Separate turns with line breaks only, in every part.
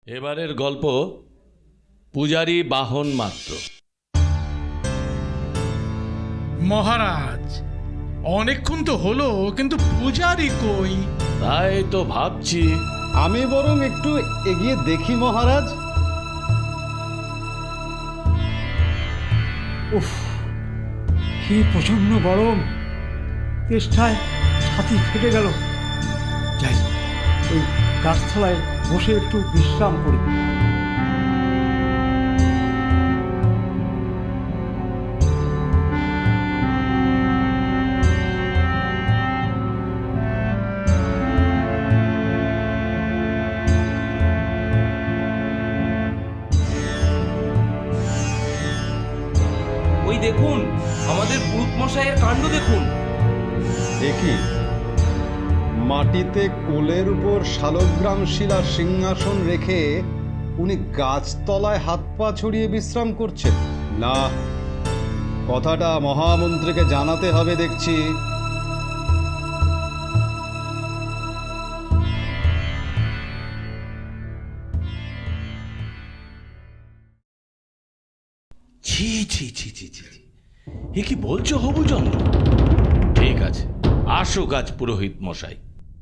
এবারের গল্প পূজারী বাহন মাত্র।
মহারাজ, অনেকক্ষণ তো হলো, কিন্তু পূজারী কই?
তাই তো ভাবছি।
আমি বরং একটু এগিয়ে দেখি মহারাজ।
উফ, কি প্রচণ্ড গরম! তেষ্টায় ছাতি ফেটে গেল। যাই, ওই গাছতলায় বসে একটু বিশ্রাম করি।
ওই দেখুন, আমাদের পুরুত মশাইয়ের কাণ্ড দেখুন।
দেখি, মাটিতে কোলের উপর শালগ্রাম শিলা সিংহাসন রেখে উনি গাছতলায় হাত পা ছড়িয়ে বিশ্রাম করছেন। না, কথাটা মহামন্ত্রীকে জানাতে হবে দেখছি।
ছি ছি ছি ছি ছি, এ কি বলছো হবুচন্দ্র? ঠিক আছে, আসুক আজ পুরোহিত মশাই।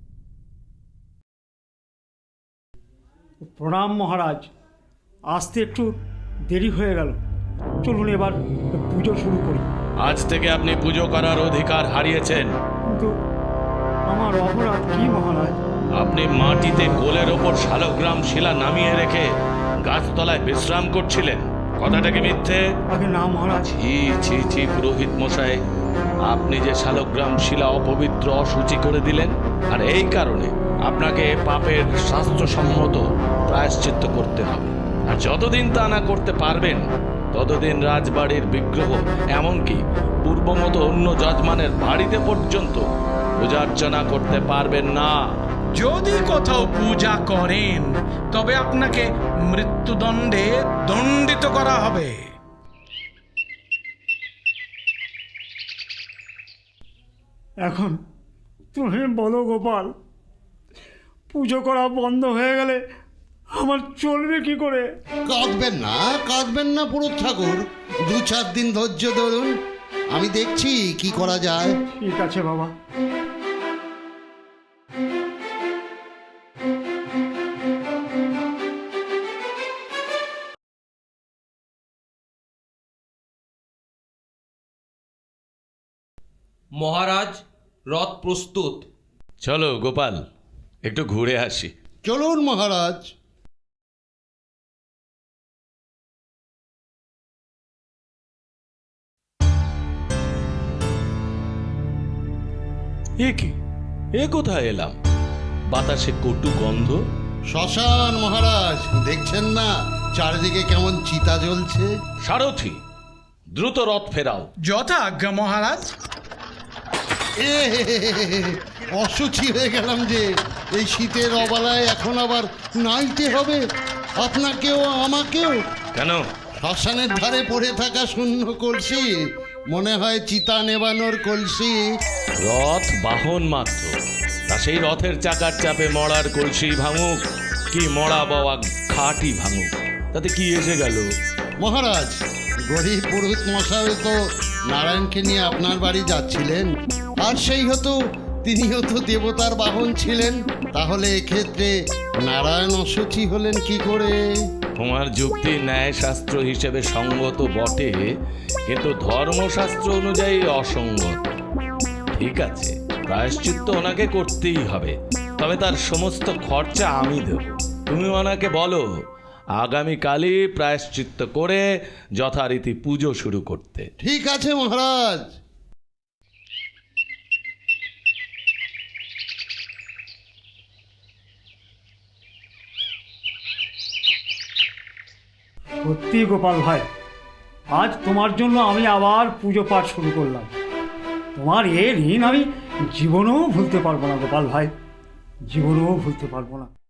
প্রণাম মহারাজ, আসতে একটু দেরি হয়ে গেল। চলুন এবার পুজো শুরু করি।
আজ থেকে আপনি পুজো করার অধিকার হারিয়েছেন।
কিন্তু আমার অপরাধ কি মহারাজ?
আপনি মাটিতে কোলের ওপর শালগ্রাম শিলা নামিয়ে রেখে গাছতলায় বিশ্রাম করছিলেন। কথাটা কি মিথ্যে?
আগে না মহারাজ।
ছি ছি ছি পুরোহিত মশাই, আপনি যে শালগ্রাম শিলা অপবিত্র অশুচি করে দিলেন, আর এই কারণে আপনাকে পাপের শাস্ত্রসম্মত প্রায়শ্চিত্ত করতে হবে। আর যতদিন তা না করতে পারবেন, ততদিন রাজবাড়ির বিগ্রহ, এমনকি পূর্বমতো অন্য যজমানের বাড়িতে পর্যন্ত পূজার্চনা করতে পারবেন না।
যদি কোথাও পূজা করেন, তবে আপনাকে মৃত্যুদণ্ডে দণ্ডিত করা হবে।
এখন তুমি বলো গোপাল, পুজো করা বন্ধ হয়ে গেলে আমার চলবে কি করে?
কাঁদবেন না পুরুত ঠাকুর। 2-4 দিন ধৈর্য ধরুন, আমি দেখছি কি করা যায়।
ঠিক আছে বাবা।
মহারাজ, রথ প্রস্তুত।
চলো গোপাল, একটু ঘুরে আসি।
চলুন মহারাজ।
এ কি, এ কোথায় এলাম? বাতাসে কটু গন্ধ।
শ্মশান মহারাজ, দেখছেন না চারিদিকে কেমন চিতা জ্বলছে?
সারথি, দ্রুত রথ ফেরাও।
যথা আজ্ঞা মহারাজ।
এ অসুচি হয়ে গেলাম যে, এই শীতের অবলায় এখন আবার নাইতে হবে আপনাকেও আমাকেও।
কেন?
শ্মশানের ধারে পড়ে থাকা শূন্য কলসি, মনে হয় চিতা নেবানোর কলসি।
রথ বাহন মাত্র, তা সেই রথের চাকার চাপে মরার কলসি ভাঙুক কি মরা বাবা খাটি ভাঙুক, তাতে কি এসে গেল?
মহারাজ, গরিব পুরোহিত মশাই তো নারায়ণকে নিয়ে আপনার বাড়ি যাচ্ছিলেন, আর সেই হতো তিনিও তো দেবতার বাহন ছিলেন। তাহলে এক্ষেত্রে নারায়ণ অসুচি হলেন কি করে?
তোমার যুক্তি ন্যায়শাস্ত্র হিসেবে সঙ্গত বটে, কিন্তু ধর্মশাস্ত্র অনুযায়ী অসঙ্গত। ঠিক আছে, প্রায়শ্চিত্ত ওনাকে করতেই হবে, তবে তার সমস্ত খরচা আমি দেব। তুমি ওনাকে বলো আগামীকালই প্রায়শ্চিত্ত করে যথারীতি পুজো শুরু করতে।
ঠিক আছে মহারাজ।
সত্যি গোপাল ভাই, আজ তোমার জন্য আমি আবার পুজো পাঠ শুরু করলাম। তোমার এ ঋণ আমি জীবনেও ভুলতে পারবো না গোপাল ভাই, জীবনেও ভুলতে পারবো না।